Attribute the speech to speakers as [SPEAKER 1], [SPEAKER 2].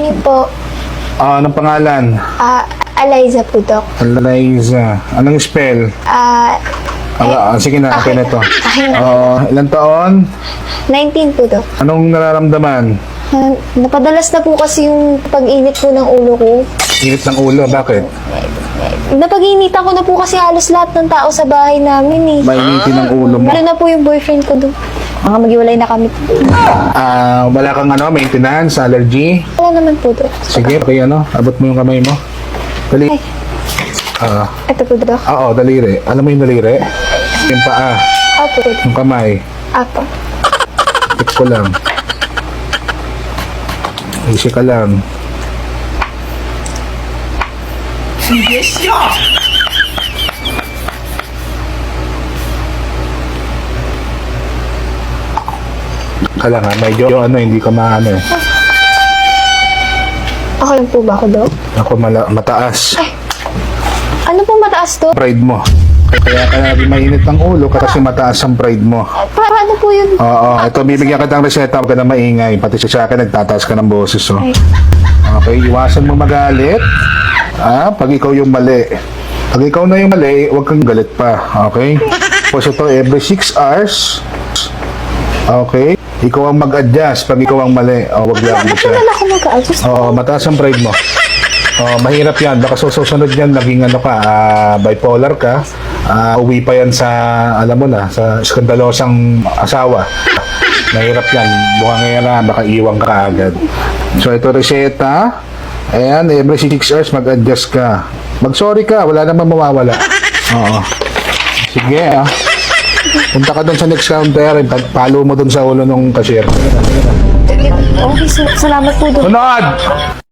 [SPEAKER 1] morning po.
[SPEAKER 2] Anong pangalan?
[SPEAKER 1] Eliza po, Dok.
[SPEAKER 2] Eliza. Anong spell? Sige na, okay na to.
[SPEAKER 1] Akin na.
[SPEAKER 2] Ilang taon?
[SPEAKER 1] 19 po, Dok.
[SPEAKER 2] Anong nararamdaman?
[SPEAKER 1] Napadalas na po kasi yung pag-init po ng ulo ko.
[SPEAKER 2] Init ng ulo, bakit?
[SPEAKER 1] Napag-initan ko na po kasi halos lahat ng tao sa bahay namin eh.
[SPEAKER 2] Mainitin ng ulo mo.
[SPEAKER 1] Lalo na po yung boyfriend ko, Dok. Mga maghiwalay na kami.
[SPEAKER 2] Wala kang maintenance, allergy?
[SPEAKER 1] Wala naman po, Dok.
[SPEAKER 2] Sige, okay, abot mo yung kamay mo. Dali.
[SPEAKER 1] Ay. Ito po, Dok.
[SPEAKER 2] Oo, daliri. Alam mo yung daliri? Yung paa,
[SPEAKER 1] Apo.
[SPEAKER 2] yung kamay.
[SPEAKER 1] Apo.
[SPEAKER 2] Tip ko lang. Easy ka lang. Kala nga, medyo hindi ka maano eh.
[SPEAKER 1] Okay lang po ba ako, Dok?
[SPEAKER 2] Ako mataas.
[SPEAKER 1] Ano po mataas, Dok?
[SPEAKER 2] Pride mo. Kaya ka mainit ng ulo kasi mataas ang pride mo.
[SPEAKER 1] Paano po yun?
[SPEAKER 2] Oo, ito bibigyan kita ng reseta, huwag ka na maingay. Pati sa akin, nagtataas ka ng boses. Oh.
[SPEAKER 1] Ay.
[SPEAKER 2] Okay, iwasan mo magalit. Pag ikaw yung mali. Pag ikaw na yung mali, huwag kang galit pa. Okay? Tapos ito, every 6 hours. Okay? Ikaw ang mag-adjust pag ikaw ang mali. Huwag lang
[SPEAKER 1] Ba't
[SPEAKER 2] siya.
[SPEAKER 1] naman ako mag-adjust?
[SPEAKER 2] Oo, mataas ang pride mo. Mahirap yan. Baka susunod yan, naging bipolar ka. Uwi pa yan sa, alam mo na, sa skandalosang asawa. Mahirap yan. Buka ngayon na, baka iwang ka agad. So, ito reseta. Ayan, every 6 hours mag-adjust ka. Mag-sorry ka, wala namang mawawala. Oo. Sige, punta ka doon sa next counter, palo mo doon sa ulo ng cashier.
[SPEAKER 1] Okay, salamat po, Dok.
[SPEAKER 2] Sunod!